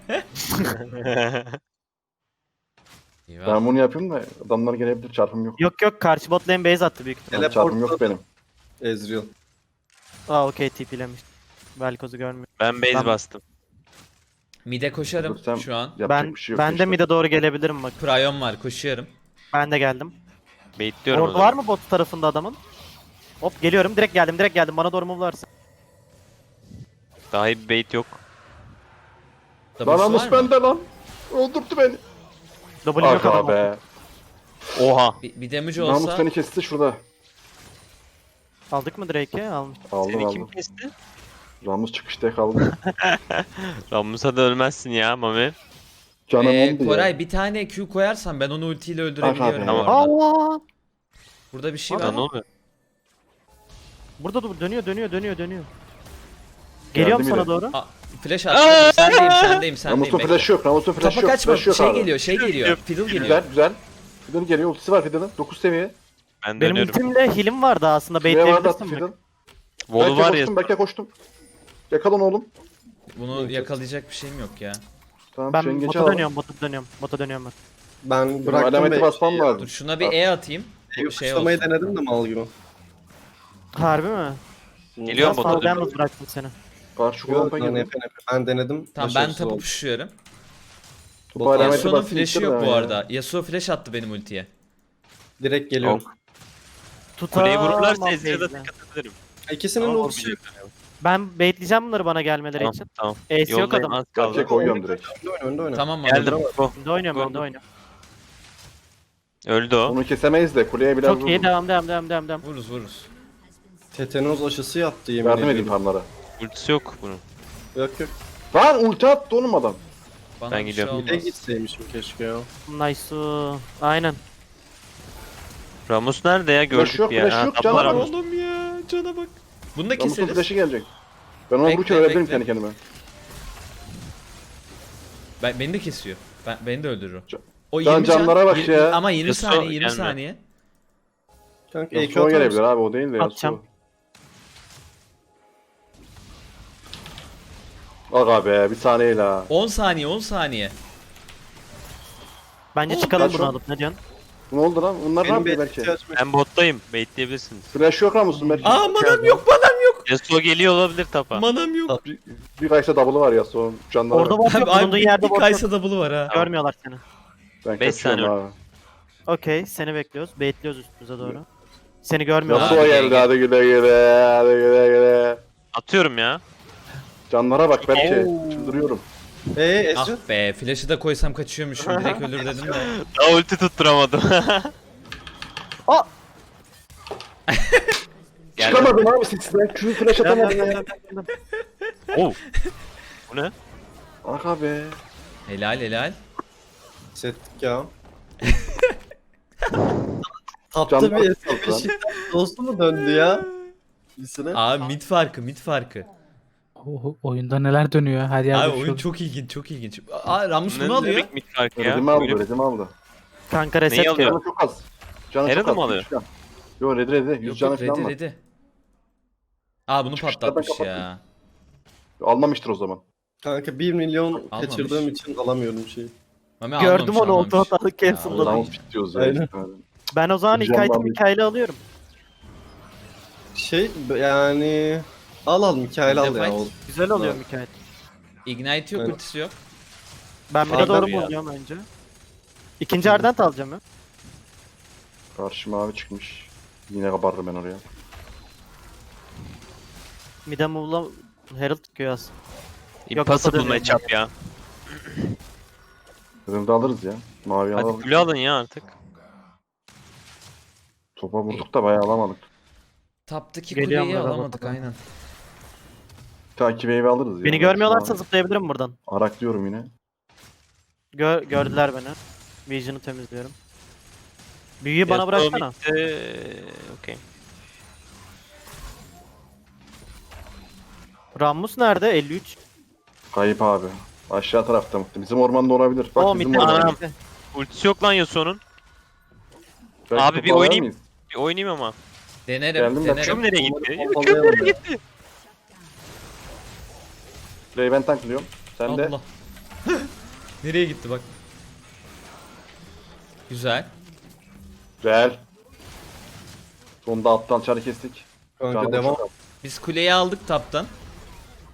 Speaker 1: İyi var.
Speaker 6: Ben bunu yapayım da adamlar gelebilir çarpım yok.
Speaker 4: Yok yok karşı bot lane base attı büyük ihtimalle.
Speaker 2: Teleport-
Speaker 6: Çarpım yok benim.
Speaker 2: Ezreal.
Speaker 4: Aa okey TP'lemiş. Velkoz'u görmüyorum.
Speaker 3: Ben base
Speaker 4: Ben-
Speaker 3: bastım.
Speaker 1: Mid'e koşarım
Speaker 6: Dursam
Speaker 1: şu an.
Speaker 6: yapacak
Speaker 4: Ben
Speaker 6: bir şey yok.
Speaker 4: ben de
Speaker 6: işte.
Speaker 4: mid'e doğru gelebilirim bak.
Speaker 1: Prion var, koşuyorum.
Speaker 4: Ben de geldim.
Speaker 3: Baitliyorum o
Speaker 4: Orada
Speaker 3: zaman.
Speaker 4: var mı bot tarafında adamın? Hop geliyorum. Direkt geldim. Bana doğru move varsın.
Speaker 3: Daha iyi bir bait yok.
Speaker 6: Lan
Speaker 1: W'su
Speaker 6: Ramus
Speaker 1: var mı?
Speaker 6: bende lan. Öldürdü beni.
Speaker 4: W yok
Speaker 6: Aga
Speaker 4: adamın.
Speaker 6: be.
Speaker 3: Oha.
Speaker 1: Bir damage
Speaker 6: Ramus
Speaker 1: olsa
Speaker 6: beni kesti şurada.
Speaker 4: Aldık mı Drake'i? Almış.
Speaker 6: Aldım
Speaker 3: Seni
Speaker 6: aldım.
Speaker 3: kim kesti?
Speaker 6: Ramus çıkışta kaldı.
Speaker 3: Rammus'a da ölmezsin ya Mami.
Speaker 6: Canım ondu
Speaker 1: Koray
Speaker 6: ya.
Speaker 1: bir tane Q koyarsan ben onu ultiyle öldürebiliyorum
Speaker 6: Aha,
Speaker 1: bu
Speaker 3: tamam.
Speaker 1: arada.
Speaker 4: Allah!
Speaker 1: Burada bir şey
Speaker 3: Ya
Speaker 1: var.
Speaker 3: ne oluyor?
Speaker 4: Burada dur dönüyor. Geliyorum sana
Speaker 6: bile.
Speaker 4: doğru.
Speaker 1: Aa, flash attım. Sendeyim.
Speaker 6: Ramus'un
Speaker 1: Bekle.
Speaker 6: flash'ı yok. Ramus'un flash'ı
Speaker 1: Tapa
Speaker 6: yok.
Speaker 1: kaçma.
Speaker 6: Flash'ı yok
Speaker 1: Şey
Speaker 6: abi.
Speaker 1: geliyor. Fiddle geliyor.
Speaker 6: Güzel güzel. Fiddle geliyor. Ultisi var Fiddle'ın. 9 seviye.
Speaker 3: Ben
Speaker 4: Benim
Speaker 3: dönüyorum.
Speaker 4: ultimle heal'im vardı aslında.
Speaker 6: Şuraya vardı attı
Speaker 4: Baitleyebilirsin
Speaker 6: Fiddle.
Speaker 4: bak.
Speaker 3: Volu var ya.
Speaker 6: Belki koştum. Yakalan oğlum.
Speaker 1: Bunu yakalayacak bir şeyim yok ya.
Speaker 6: Tamam
Speaker 4: Ben
Speaker 6: şu engeci
Speaker 4: bota
Speaker 6: al.
Speaker 4: dönüyorum. Bota dönüyorum ben.
Speaker 2: Ben
Speaker 6: Benim
Speaker 2: bıraktım
Speaker 6: alameti
Speaker 2: ve
Speaker 6: basmam
Speaker 1: Dur
Speaker 6: lazım.
Speaker 1: şuna bir E atayım. Bu şey
Speaker 2: kuşlamayı
Speaker 1: olsun.
Speaker 2: denedim de mal gibi.
Speaker 4: Harbi mi?
Speaker 3: Geliyorum
Speaker 4: Biraz
Speaker 3: bota
Speaker 4: fazla
Speaker 3: dönüyorum.
Speaker 4: yalnız bıraktım seni.
Speaker 6: Karşı
Speaker 2: Yok,
Speaker 6: kulağımda
Speaker 2: ben,
Speaker 6: girdim.
Speaker 2: ben denedim.
Speaker 1: Tamam ben
Speaker 2: başarısız
Speaker 1: tapu
Speaker 2: oldu.
Speaker 1: pushluyorum.
Speaker 6: Bu alameti
Speaker 1: Yasuo'nun
Speaker 6: bastı,
Speaker 1: flash'ı
Speaker 6: bitirdi
Speaker 1: yok
Speaker 6: ama
Speaker 1: bu
Speaker 6: ya.
Speaker 1: arada. Yasuo flash attı benim ultiye.
Speaker 2: Direkt geliyorum.
Speaker 3: Kuleyi vururlarsa
Speaker 4: Tutamam
Speaker 3: Ezreal'a
Speaker 4: base'le.
Speaker 3: dikkat ederim.
Speaker 2: İkisinin
Speaker 3: Ama
Speaker 2: ultisi yok.
Speaker 3: vurmayacaklar.
Speaker 4: Ben baitleyeceğim bunları bana gelmeleri
Speaker 3: Tamam
Speaker 4: için.
Speaker 3: tamam.
Speaker 4: Ace yok
Speaker 3: Yoldayım
Speaker 4: adam.
Speaker 3: az kaldı.
Speaker 6: Gerçek koyuyorum direkt.
Speaker 2: Önde oyna.
Speaker 1: Tamam
Speaker 3: Geldim.
Speaker 1: anladım.
Speaker 3: Go.
Speaker 4: Önde oynuyorum.
Speaker 3: Öldü o.
Speaker 6: Onu kesemeyiz de kuleye biraz
Speaker 4: Çok iyi
Speaker 6: vurdum.
Speaker 4: devam.
Speaker 1: Vururuz.
Speaker 2: Tetanoz aşısı yaptı yemin
Speaker 6: Yardım edeyim
Speaker 2: ediyorum.
Speaker 6: farmlara.
Speaker 3: Ultisi yok bunun.
Speaker 2: Yok.
Speaker 6: Lan ulti attı oğlum adam.
Speaker 1: Bana
Speaker 3: Ben
Speaker 1: bir
Speaker 3: gidiyorum.
Speaker 1: şey
Speaker 2: Bir de
Speaker 1: olmaz.
Speaker 2: gitseymişim keşke ya.
Speaker 4: Nice. Aynen.
Speaker 3: Ramus nerede ya?
Speaker 6: Flash
Speaker 3: Gördük
Speaker 6: yok,
Speaker 3: ya.
Speaker 6: flash
Speaker 3: Ha,
Speaker 6: yok,
Speaker 3: tabla
Speaker 6: canavar
Speaker 3: Ramus.
Speaker 1: Oğlum ya cana bak. Bunu da
Speaker 6: Ramus'un
Speaker 1: keseriz.
Speaker 6: flash'ı gelecek. Ben ona
Speaker 1: Bekle,
Speaker 6: vururken ölebilirim
Speaker 1: bekle.
Speaker 6: kendi kendime.
Speaker 1: Beni de kesiyor. Beni de öldürür o.
Speaker 6: Can-
Speaker 1: O
Speaker 6: Can
Speaker 1: 20 can.
Speaker 6: canlara bak ya.
Speaker 1: Ama 20
Speaker 3: Yasuo
Speaker 1: saniye 20
Speaker 3: gelme.
Speaker 1: saniye.
Speaker 2: Kanka EQ
Speaker 6: Yasuo
Speaker 2: atar
Speaker 6: gelebilir
Speaker 2: mısın?
Speaker 6: abi o değil de
Speaker 4: Atacağım.
Speaker 6: Yasuo. Aga be bir saniye la.
Speaker 1: 10 saniye.
Speaker 4: Bence çıkalım
Speaker 6: kaç
Speaker 4: bunu
Speaker 6: o?
Speaker 4: alıp ne diyorsun?
Speaker 6: Ne oldu lan? Bunlar ne
Speaker 2: Benim
Speaker 6: yapıyor
Speaker 2: bir
Speaker 6: belki?
Speaker 2: ihtiyacım yok.
Speaker 3: Ben bottayım. Baitleyebilirsiniz.
Speaker 6: Flash yok Ramus'un belki.
Speaker 1: Aa manam yok.
Speaker 3: Yasuo geliyor olabilir tapa.
Speaker 1: Manam yok.
Speaker 6: Bir kaysa double'ı var Yasuo'nun canları
Speaker 4: Orada
Speaker 6: var.
Speaker 4: bot yok.
Speaker 1: Abi
Speaker 4: Bulunduğun
Speaker 1: bir
Speaker 4: yerde bot yok.
Speaker 1: Kaysa double'ı var ha.
Speaker 4: Görmüyorlar seni.
Speaker 6: Ben
Speaker 3: Beş
Speaker 6: kaçıyorum
Speaker 3: saniye.
Speaker 6: abi.
Speaker 4: Okey seni bekliyoruz. Baitliyoruz üstümüze doğru. Seni görmüyorlar.
Speaker 6: Yasuo
Speaker 1: Abi,
Speaker 6: geldi
Speaker 1: gel.
Speaker 6: hadi güle güle hadi güle güle.
Speaker 3: Atıyorum ya.
Speaker 6: Canlara bak belki. Çıldırıyorum.
Speaker 2: Ezreal.
Speaker 1: Ah be flash'ı da koysam kaçıyormuşum. Direkt ölür dedim de.
Speaker 3: Daha ulti tutturamadım. Geldi.
Speaker 6: Çıkamadım abi sesle. Şunu flash atamadım ya.
Speaker 3: Oh. Bu ne?
Speaker 6: Aga be.
Speaker 1: Helal.
Speaker 2: Hissettik ya.
Speaker 6: Can
Speaker 2: Tatlı bir
Speaker 6: lan.
Speaker 2: hesap. Dostu mu döndü ya? Birisine.
Speaker 1: Abi mid farkı.
Speaker 5: Oyunda neler dönüyor her yerde.
Speaker 1: Abi
Speaker 5: bir şey
Speaker 1: oyun
Speaker 5: oluyor.
Speaker 1: çok ilginç. Aa Ramus
Speaker 3: Ne
Speaker 1: bunu alıyor.
Speaker 3: demek mid farkı ya?
Speaker 6: Redimi aldı,
Speaker 3: Böyle-
Speaker 6: redimi aldı.
Speaker 4: Kanka
Speaker 3: Neyi
Speaker 4: reset
Speaker 3: alıyor?
Speaker 4: diyor.
Speaker 6: Canı çok az. Canı
Speaker 3: Herald'ı
Speaker 6: çok az.
Speaker 3: mı alıyor?
Speaker 6: Yo redi. 100
Speaker 1: Yok
Speaker 6: canı
Speaker 1: yok
Speaker 6: falan var.
Speaker 1: ready. Aa bunu
Speaker 6: Çıkışlardan
Speaker 1: patlatmış
Speaker 6: kapattım.
Speaker 1: ya.
Speaker 6: Almamıştır o zaman.
Speaker 2: Kanka 1 milyon
Speaker 1: Almamış.
Speaker 2: kaçırdığım için alamıyorum şeyi.
Speaker 1: Mami
Speaker 4: Gördüm onu
Speaker 1: almamış.
Speaker 4: oldu hatalık
Speaker 1: Ya,
Speaker 4: cancel'ladım.
Speaker 1: Allah'ım.
Speaker 6: Round bitiyoruz ya.
Speaker 2: Aynen.
Speaker 6: işte.
Speaker 4: Ben o zaman ilk
Speaker 6: Güzel
Speaker 4: item
Speaker 6: abi.
Speaker 4: Mikael'i alıyorum.
Speaker 2: Yani al Mikael al ya.
Speaker 1: Fight.
Speaker 2: O-
Speaker 4: Güzel oluyor
Speaker 2: Evet.
Speaker 4: Mikael.
Speaker 1: Ignite yok
Speaker 2: Evet.
Speaker 1: ultisi yok.
Speaker 4: Ben bir de
Speaker 2: Arda
Speaker 4: doğru
Speaker 1: ya.
Speaker 4: mu alıyorum önce? İkinci Ardent alacağım ya.
Speaker 6: Karşı mavi çıkmış. Yine kabarırım ben oraya.
Speaker 4: Mid'e move'la Herald çıkıyor aslında.
Speaker 3: Impossible
Speaker 4: dönüyor.
Speaker 3: matchup ya.
Speaker 6: Dedim de alırız ya. Mavi
Speaker 3: Hadi
Speaker 6: alalım.
Speaker 3: kule alın ya artık.
Speaker 6: Topa vurduk da bayağı alamadık.
Speaker 1: Taptaki
Speaker 4: Geliyorum
Speaker 1: kuleyi
Speaker 4: ben
Speaker 1: alamadık
Speaker 4: bakalım.
Speaker 1: aynen.
Speaker 6: Takip evi alırız ya.
Speaker 4: Beni görmüyorlarsa zıplayabilirim buradan.
Speaker 6: Araklıyorum yine.
Speaker 4: Gördüler beni. Vision'ı temizliyorum. Büyüyü bana
Speaker 3: Yasuo
Speaker 4: bıraksana.
Speaker 3: midde- Okey.
Speaker 4: Rammus nerede? 53.
Speaker 6: Kayıp abi. Aşağı tarafta mı? Bizim ormanda olabilir. Bak
Speaker 4: O
Speaker 6: bizim
Speaker 4: mid'de.
Speaker 6: ormanda.
Speaker 3: Anam. Ultisi yok lan Yasuo'nun.
Speaker 6: Belki
Speaker 3: Abi bir
Speaker 6: topu
Speaker 3: oynayayım.
Speaker 6: alır mıyız?
Speaker 3: Bir oynayayım ama.
Speaker 2: Geldim
Speaker 6: ben.
Speaker 3: Küm nereye gitti?
Speaker 2: Onları
Speaker 3: Küm nereye
Speaker 2: pompalayalım ya.
Speaker 3: gitti?
Speaker 6: Play ben tanklıyorum. Sen de.
Speaker 1: Allah. Nereye gitti bak. Güzel.
Speaker 6: Güzel. Sonunda alttan çarı kestik.
Speaker 2: Kanka
Speaker 6: Canım
Speaker 2: devam.
Speaker 6: çok az.
Speaker 1: Biz kuleyi aldık taptan.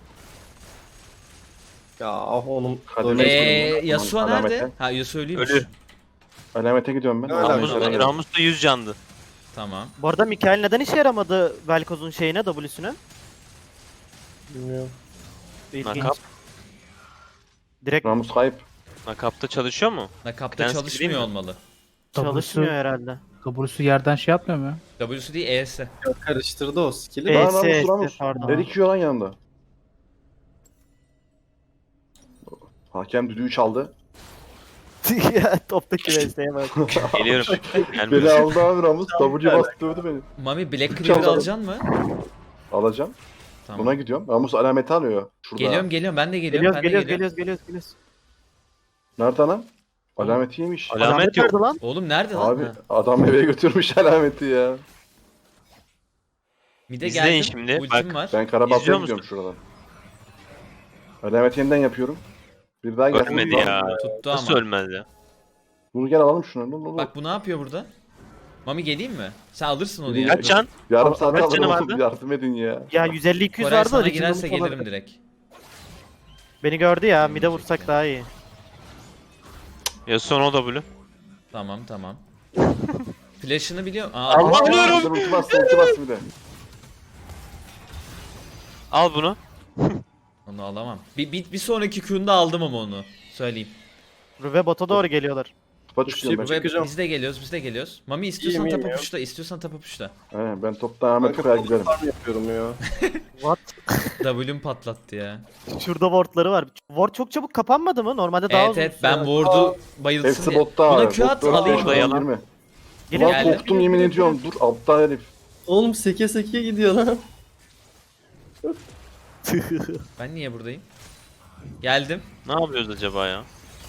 Speaker 2: Ya onun
Speaker 6: Kademe-
Speaker 1: Yasuo
Speaker 6: Alamete.
Speaker 1: nerede? Ha Yasuo ölüymüş.
Speaker 3: Ölü.
Speaker 6: Alamete gidiyorum ben.
Speaker 2: Ne alaka?
Speaker 3: Ramus,
Speaker 6: Alamete-
Speaker 3: Ramus da 100 candı.
Speaker 1: Tamam.
Speaker 4: Bu arada Mikael neden işe yaramadı Velkoz'un şeyine, W'süne?
Speaker 2: bilmiyorum.
Speaker 4: İlginç.
Speaker 3: Nakap.
Speaker 4: Direkt
Speaker 6: Ramus kayıp.
Speaker 3: Nakapta çalışıyor mu?
Speaker 1: Nakapta
Speaker 3: Clans
Speaker 1: çalışmıyor
Speaker 3: değil mi?
Speaker 1: olmalı.
Speaker 4: çalışmıyor herhalde.
Speaker 5: W'su yerden şey yapmıyor mu ya?
Speaker 1: W'su değil E'si.
Speaker 2: Karıştırdı o skill'i.
Speaker 4: E,
Speaker 6: Lan
Speaker 4: S, S,
Speaker 6: Ramus.
Speaker 4: pardon.
Speaker 6: Her iki lan yanında. Hakem düdüğü çaldı.
Speaker 4: Ya, toptaki VS'ye bak.
Speaker 3: Geliyorum.
Speaker 6: Beni
Speaker 3: Gelmiyor.
Speaker 6: aldı abi Ramus. W bastı dövdü beni.
Speaker 1: Mami Black Cleaver
Speaker 6: Çalalım.
Speaker 1: alacaksın mı?
Speaker 6: Alacağım.
Speaker 1: Tamam.
Speaker 6: Buna gidiyorum. Ramus alameti alıyor. Şurada.
Speaker 1: Geliyorum ben de geliyorum.
Speaker 4: Geliyoruz
Speaker 1: Ben de
Speaker 4: geliyoruz
Speaker 1: geliyorum.
Speaker 4: geliyoruz.
Speaker 6: Nerede lan? Alameti yemiş.
Speaker 3: Alamet yok.
Speaker 4: nerede lan?
Speaker 1: Oğlum nerede lan?
Speaker 6: Abi
Speaker 1: Ha.
Speaker 6: adam eve götürmüş alameti ya.
Speaker 1: Mide
Speaker 3: İzleyin
Speaker 1: geldim.
Speaker 3: şimdi,
Speaker 1: Ultim
Speaker 3: bak.
Speaker 1: var.
Speaker 6: Ben Karabat'ta
Speaker 3: İzliyor
Speaker 6: gidiyorum
Speaker 3: musun?
Speaker 6: şuradan. Alameti yeniden yapıyorum. Bir daha gelsin.
Speaker 3: Ölmedi ya.
Speaker 1: Tuttu
Speaker 3: Nasıl
Speaker 1: ama.
Speaker 3: ölmez ya?
Speaker 6: Bunu gel alalım şunu.
Speaker 1: Bak bu ne yapıyor burada? Mami geleyim mi? Sen alırsın onu
Speaker 6: Geliyor.
Speaker 1: ya.
Speaker 3: Kaç can?
Speaker 6: Yarım saat
Speaker 3: Kaç
Speaker 6: alırım
Speaker 3: canı
Speaker 6: oğlum.
Speaker 3: vardı?
Speaker 6: Yardım edin ya.
Speaker 4: Ya 150-200
Speaker 1: Koray
Speaker 4: vardı
Speaker 1: sana
Speaker 4: da
Speaker 1: girerse
Speaker 4: Legend'ın
Speaker 1: gelirim
Speaker 4: falan-
Speaker 1: direkt.
Speaker 4: Beni gördü ya, mid'e vursak daha iyi.
Speaker 3: Yasuo no W.
Speaker 1: Tamam. Flash'ını biliyorum. Aa,
Speaker 3: Allah!
Speaker 1: atmış.
Speaker 3: Ölüyorum.
Speaker 6: Ulti bastı bir de.
Speaker 3: Al bunu.
Speaker 1: Onu alamam. Bir sonraki Q'unda aldım ama onu. Söyleyeyim.
Speaker 4: Rüve bota doğru geliyorlar.
Speaker 6: Topa çıkıyorum ben.
Speaker 1: Ve
Speaker 2: Çıkacağım.
Speaker 1: biz de geliyoruz. Mami istiyorsan
Speaker 2: İyiyim,
Speaker 1: tapa
Speaker 2: iyiyim
Speaker 1: puşla, istiyorsan tapa puşla.
Speaker 6: Aynen ben toptan Ahmet Kuka'ya giderim.
Speaker 2: Farm yapıyorum ya.
Speaker 4: What?
Speaker 1: W'm patlattı ya.
Speaker 4: Şurada wardları var. Ward çok çabuk kapanmadı mı? Normalde daha
Speaker 1: Evet
Speaker 4: uzun
Speaker 1: evet
Speaker 4: süre-
Speaker 1: ben ward'u bayılsın
Speaker 6: Hepsi
Speaker 1: diye.
Speaker 6: botta
Speaker 1: Buna
Speaker 6: abi.
Speaker 1: Q at alayım
Speaker 3: da yalan.
Speaker 1: mı?
Speaker 4: Gelin,
Speaker 6: Ulan
Speaker 1: Geldim.
Speaker 6: korktum yemin ediyorum. Dur aptal herif.
Speaker 2: Oğlum seke seke gidiyor lan.
Speaker 1: Ben niye buradayım? Geldim.
Speaker 3: Ne yapıyoruz acaba ya?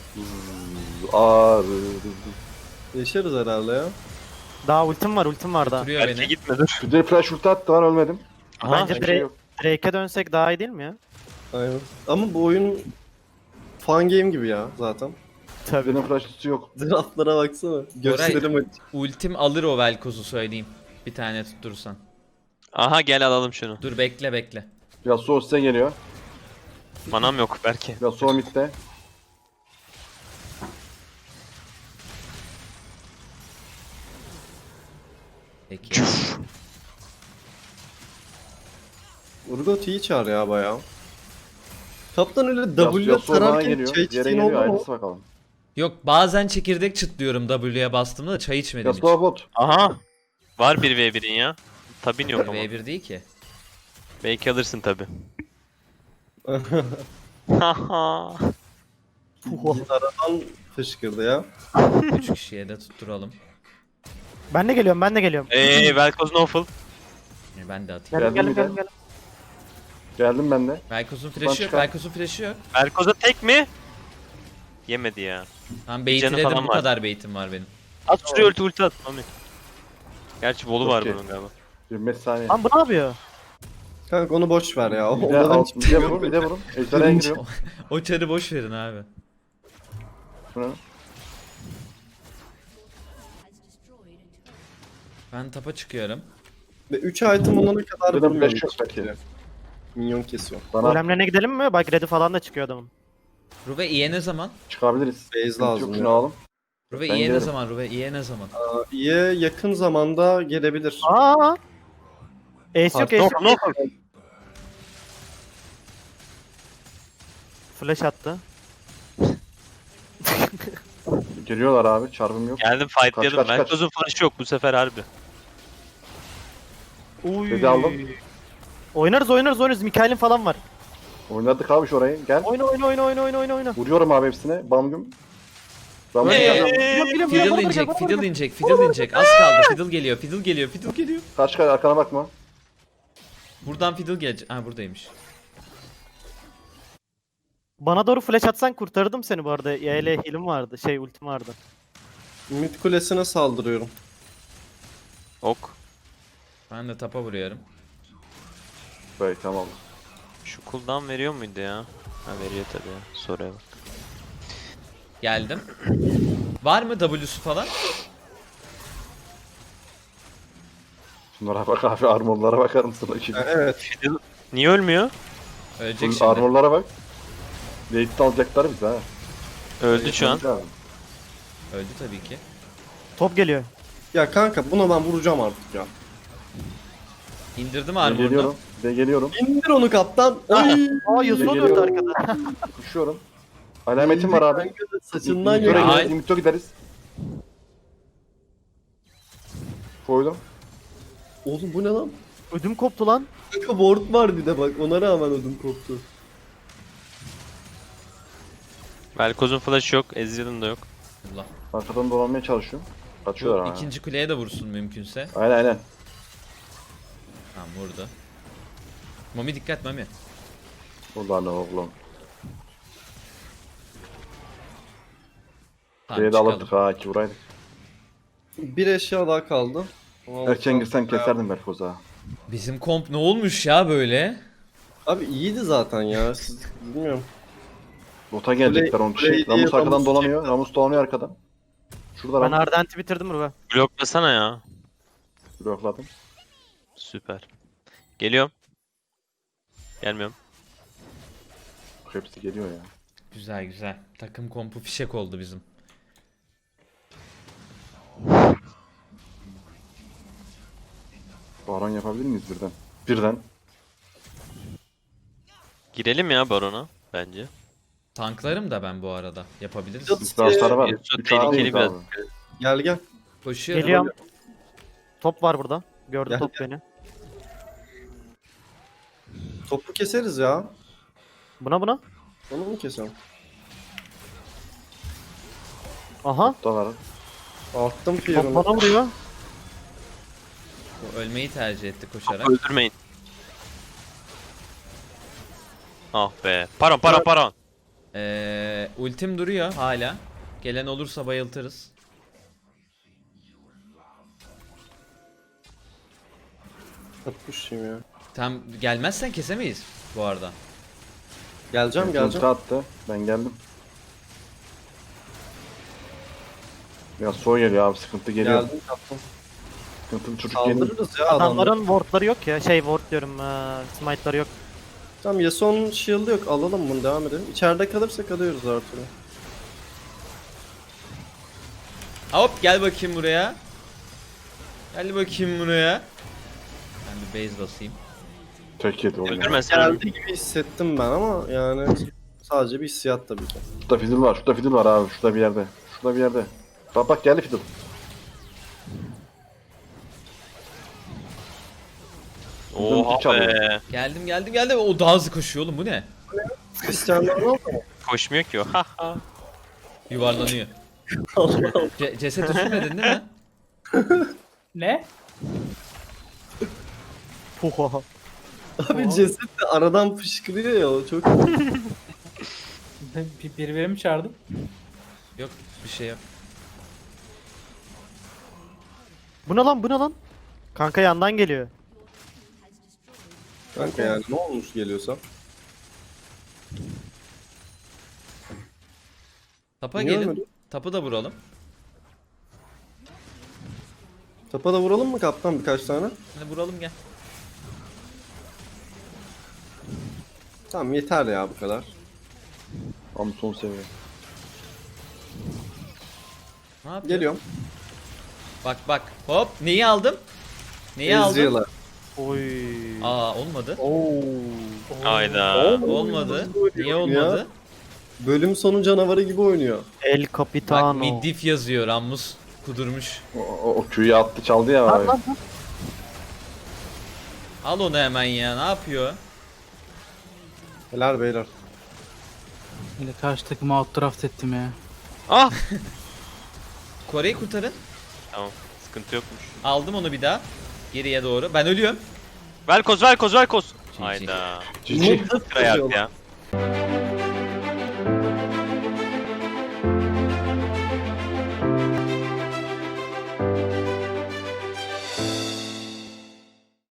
Speaker 6: Ağrı.
Speaker 2: Yaşarız herhalde ya.
Speaker 4: Daha ultim var daha.
Speaker 1: Duruyor
Speaker 3: Belki
Speaker 1: beni.
Speaker 3: gitme dur.
Speaker 6: Bir de flash ulti attı lan ölmedim.
Speaker 3: Aha.
Speaker 4: Bence
Speaker 6: Bir şey yok.
Speaker 4: Drake'e dönsek daha iyi değil mi ya?
Speaker 2: Aynen. Ama bu oyun fan game gibi ya zaten.
Speaker 4: Tabii.
Speaker 6: Benim flash ultisi yok.
Speaker 2: Draftlara baksana. Gösterim açık.
Speaker 1: Ultim alır o Velkoz'u söyleyeyim. Bir tane tutturursan.
Speaker 3: Aha gel alalım şunu.
Speaker 1: Dur bekle.
Speaker 6: Yasuo size geliyor.
Speaker 3: Manam yok belki.
Speaker 6: Yasuo midde.
Speaker 1: Peki.
Speaker 2: Urgot iyi çağır ya bayağı. Kaptan öyle
Speaker 6: Yasuo
Speaker 2: W
Speaker 6: bana
Speaker 2: tararken
Speaker 6: geliyor.
Speaker 2: çay
Speaker 6: Yere
Speaker 2: içtiğin
Speaker 6: geliyor
Speaker 2: oldu mu?
Speaker 6: aynısı bakalım.
Speaker 1: Yok bazen çekirdek çıtlıyorum W'ye bastığımda da çay içmedim hiç.
Speaker 6: Yasuo bot.
Speaker 3: Aha. Var 1v1'in ya. Tabin yok ama.
Speaker 1: V1 değil ki.
Speaker 3: Belki alırsın tabi. Haha.
Speaker 2: Aradan fışkırdı ya.
Speaker 1: 3 kişiye de tutturalım.
Speaker 4: Ben de geliyorum.
Speaker 3: Velkoz Noful.
Speaker 1: Ben de atayım.
Speaker 6: Geldim bir de.
Speaker 4: Geldim.
Speaker 6: Geldim ben de.
Speaker 1: Velkoz'un
Speaker 6: Buradan
Speaker 1: flash'ı yok.
Speaker 6: çıkar.
Speaker 1: Velkoz'un flash'ı yok.
Speaker 3: Velkoz'a tek mi? Yemedi ya.
Speaker 1: Tamam
Speaker 3: Canı
Speaker 1: baitledim
Speaker 3: falan
Speaker 1: bu
Speaker 3: var.
Speaker 1: kadar baitim var benim.
Speaker 3: At şuraya ulti at Mami. Gerçi bolu var
Speaker 6: Okey.
Speaker 3: bunun galiba.
Speaker 6: 25 saniye.
Speaker 4: Lan bu ne yapıyor?
Speaker 2: Kanka onu boş ver ya.
Speaker 6: Bir de
Speaker 2: Ondan
Speaker 6: alt, bir de vurun, bir de vurun. Ejderhaya giriyorum.
Speaker 1: O çarı boş verin abi.
Speaker 6: Şunu.
Speaker 1: Ben tapa çıkıyorum.
Speaker 2: Ve 3 item olana kadar
Speaker 6: Bir de
Speaker 2: vurmuyorum.
Speaker 6: flash yok belki.
Speaker 2: Minyon kesiyor.
Speaker 6: Bana
Speaker 4: Golemlerine gidelim mi? Bak red'i falan da çıkıyor adamın.
Speaker 1: Ruve iye ne zaman?
Speaker 6: çıkabiliriz.
Speaker 2: Base
Speaker 6: Sıkıntı
Speaker 2: lazım
Speaker 6: yok,
Speaker 2: ya.
Speaker 6: şunu alalım.
Speaker 1: Ruve
Speaker 6: Ben
Speaker 1: iye ne
Speaker 6: gelirim.
Speaker 1: zaman? Ruve iye ne zaman?
Speaker 2: İyi yakın zamanda gelebilir.
Speaker 4: Aa! Ace yok, ace yok.
Speaker 3: Noful.
Speaker 4: Flash attı.
Speaker 6: Geliyorlar abi, çarpım yok.
Speaker 3: Geldim fightlayalım.
Speaker 6: Kaç, kaç, kaç.
Speaker 3: Velkoz'un flash'ı yok bu sefer harbi.
Speaker 4: Uy.
Speaker 6: Red'i aldım.
Speaker 4: Oynarız. Mikael'in falan var.
Speaker 6: Oynadık abi şurayı. Gel.
Speaker 4: Oyna.
Speaker 6: Vuruyorum abi hepsine. Bam güm. Ramus
Speaker 4: Biliyorum,
Speaker 1: Fiddle inecek, Fiddle inecek. Az kaldı. Fiddle geliyor.
Speaker 6: kaç kere arkana bakma.
Speaker 1: Buradan Fiddle gelecek. Ha buradaymış.
Speaker 4: Bana doğru flash atsan kurtarırdım seni bu arada. YL heal'im vardı. Ultim vardı.
Speaker 2: Mid kulesine saldırıyorum.
Speaker 3: Ok.
Speaker 1: Ben de tapa vuruyorum.
Speaker 6: Böyle tamam.
Speaker 3: Şu cooldown veriyor muydu ya? Ha veriyor tabi ya. Soruya bak.
Speaker 1: Geldim. Var mı W'su falan?
Speaker 6: Şunlara bak abi, armorlara bakar mısın?
Speaker 2: Ha, evet.
Speaker 3: Fiddle niye ölmüyor?
Speaker 1: Ölecek şimdi.
Speaker 6: Armorlara bak. Late'de alacaklar bizi ha.
Speaker 3: Öldü şu an.
Speaker 6: Lazım.
Speaker 1: Öldü tabii ki.
Speaker 4: Top geliyor.
Speaker 2: Ya kanka buna ben vuracağım artık ya.
Speaker 1: İndirdim
Speaker 6: Bir de
Speaker 1: armorunu.
Speaker 6: geliyorum. Bir de geliyorum.
Speaker 2: İndir onu kaptan. Oy.
Speaker 4: Aa Yasuo
Speaker 6: Geliyor.
Speaker 4: döndü arkada.
Speaker 6: Koşuyorum. Alametim var abi.
Speaker 2: Kanka da saçından
Speaker 6: Mito
Speaker 1: Ya.
Speaker 2: yürü.
Speaker 6: gideriz. Mito gideriz. Koydum.
Speaker 2: Oğlum bu ne lan?
Speaker 4: Ödüm koptu lan.
Speaker 2: Kanka ward var bir de bak ona rağmen ödüm koptu.
Speaker 3: Velkoz'un flash yok. Ezreal'ın da yok.
Speaker 1: Allah.
Speaker 6: Arkadan dolanmaya çalışıyorum. Kaçıyorlar
Speaker 1: Bu
Speaker 6: ha.
Speaker 1: ikinci kuleye de vursun mümkünse.
Speaker 6: Aynen aynen.
Speaker 1: Tamam vurdu. Mami dikkat Mami.
Speaker 6: Ulan oğlum.
Speaker 1: Tamam
Speaker 6: Şeye de
Speaker 1: çıkalım.
Speaker 6: alırdık ha ki vuraydık.
Speaker 2: Bir eşya daha kaldı.
Speaker 6: Erken girsen keserdim Berfoz ha.
Speaker 1: Bizim komp ne olmuş ya böyle?
Speaker 2: Abi iyiydi zaten ya. Siz bilmiyorum.
Speaker 6: Bota gelecekler onun
Speaker 2: Play
Speaker 6: için.
Speaker 2: diye
Speaker 6: Ramus arkadan
Speaker 2: Ramus
Speaker 6: dolanıyor. Ramus dolanıyor arkadan. Şurada
Speaker 4: Ben
Speaker 6: Ramus
Speaker 4: Ardent'i bitirdim Ruve.
Speaker 3: Bloklasana ya.
Speaker 6: blokladım.
Speaker 3: Süper. Geliyorum. Gelmiyorum.
Speaker 6: Hepsi geliyor ya.
Speaker 1: Güzel güzel. Takım kompu fişek oldu bizim.
Speaker 6: Baron yapabilir miyiz birden? Birden.
Speaker 3: Girelim ya Baron'a bence.
Speaker 1: Tanklarım da ben bu arada. Yapabiliriz.
Speaker 2: Yok.
Speaker 6: İstihbarsları var.
Speaker 3: Yasuo
Speaker 6: 3
Speaker 3: tehlikeli
Speaker 6: ağabeyimiz
Speaker 3: biraz.
Speaker 6: abi.
Speaker 2: Gel gel.
Speaker 1: Koşuyorum.
Speaker 4: Geliyorum. Top var burada. Gördü
Speaker 2: Gel,
Speaker 4: top
Speaker 2: gel.
Speaker 4: beni.
Speaker 2: Topu keseriz ya.
Speaker 4: Buna.
Speaker 2: Onu mu keselim?
Speaker 4: Aha.
Speaker 6: Da var.
Speaker 2: Attım
Speaker 4: Top
Speaker 2: fear'ını.
Speaker 4: bana vuruyor.
Speaker 1: O ölmeyi tercih etti koşarak.
Speaker 3: Öldürmeyin. Ah be. Paron.
Speaker 1: Ultim duruyor hala. Gelen olursa bayıltırız.
Speaker 2: Atmışım ya.
Speaker 1: Tam gelmezsen kesemeyiz bu arada.
Speaker 2: Geleceğim
Speaker 6: Ulti
Speaker 2: geleceğim.
Speaker 6: attı. Ben geldim. Ya soğuk geliyor abi sıkıntı geliyor.
Speaker 2: Geldim kaptan.
Speaker 6: Sıkıntılı çocuk geliyor.
Speaker 2: Kaldırırız ya adamları.
Speaker 4: Adamların wardları yok ya. Ward diyorum. Smite'ları yok.
Speaker 2: Tamam Yasuo'nun shield'ı yok. Alalım bunu devam edelim. İçeride kalırsak alıyoruz artık.
Speaker 1: Hop gel bakayım buraya. Gel bakayım buraya. Ben bir base basayım.
Speaker 6: Tek yedi oğlum.
Speaker 3: Öldürmesene.
Speaker 2: Geldi gibi hissettim ben ama yani sadece bir hissiyat tabii ki.
Speaker 6: Şurada fiddle var. Şurada fiddle var abi. Şurada bir yerde. Şurada bir yerde. Bak geldi fiddle.
Speaker 3: Oha
Speaker 6: çalıyor.
Speaker 3: be.
Speaker 1: Geldim. O daha hızlı koşuyor oğlum bu ne?
Speaker 2: Hristiyanlar ne oldu mu?
Speaker 3: Koşmuyor ki o. Ha ha.
Speaker 1: Yuvarlanıyor.
Speaker 2: Allah'ım.
Speaker 1: Ceset üstüne değil mi?
Speaker 5: Ne?
Speaker 4: Puha.
Speaker 2: Abi ceset de aradan fışkırıyor ya o çok.
Speaker 5: Biri mi çağırdım?
Speaker 1: Yok bir şey yok.
Speaker 4: Bu ne lan? Kanka yandan geliyor.
Speaker 2: Kanka yani ne olmuş geliyorsa.
Speaker 1: Tapa
Speaker 2: Niye
Speaker 1: gelin.
Speaker 2: ölmedi?
Speaker 1: Tapı da vuralım.
Speaker 2: Tapa da vuralım mı kaptan birkaç tane?
Speaker 1: Hadi vuralım gel.
Speaker 2: Tamam yeter ya bu kadar.
Speaker 6: Ama son seviye.
Speaker 1: Ne yapıyor?
Speaker 2: Geliyorum.
Speaker 1: Bak. Hop. Neyi aldım? Neyi aldım?
Speaker 2: Ezreal'a.
Speaker 4: Oy.
Speaker 1: Aa olmadı.
Speaker 2: Oo.
Speaker 3: Hayda.
Speaker 1: Olmadı. Niye
Speaker 2: oynuyor
Speaker 1: olmadı?
Speaker 2: ya. Bölüm sonu canavarı gibi oynuyor.
Speaker 4: El
Speaker 1: Bak
Speaker 4: Capitano.
Speaker 1: middif yazıyor. Rammus kudurmuş.
Speaker 6: O Q'yu attı çaldı ya abi.
Speaker 4: Lan.
Speaker 1: Al onu hemen ya. Ne yapıyor?
Speaker 2: Helal beyler.
Speaker 5: Yine karşı takımı outdraft ettim ya.
Speaker 3: Ah.
Speaker 1: Kore'yi kurtarın.
Speaker 3: Tamam. Sıkıntı yokmuş.
Speaker 1: Aldım onu bir daha. Geriye doğru. Ben ölüyorum.
Speaker 3: Velkoz.
Speaker 1: GG.
Speaker 3: Hayda.
Speaker 6: Cici.
Speaker 2: Mutlu
Speaker 3: Kırayak
Speaker 2: tutuyorlar.
Speaker 3: ya.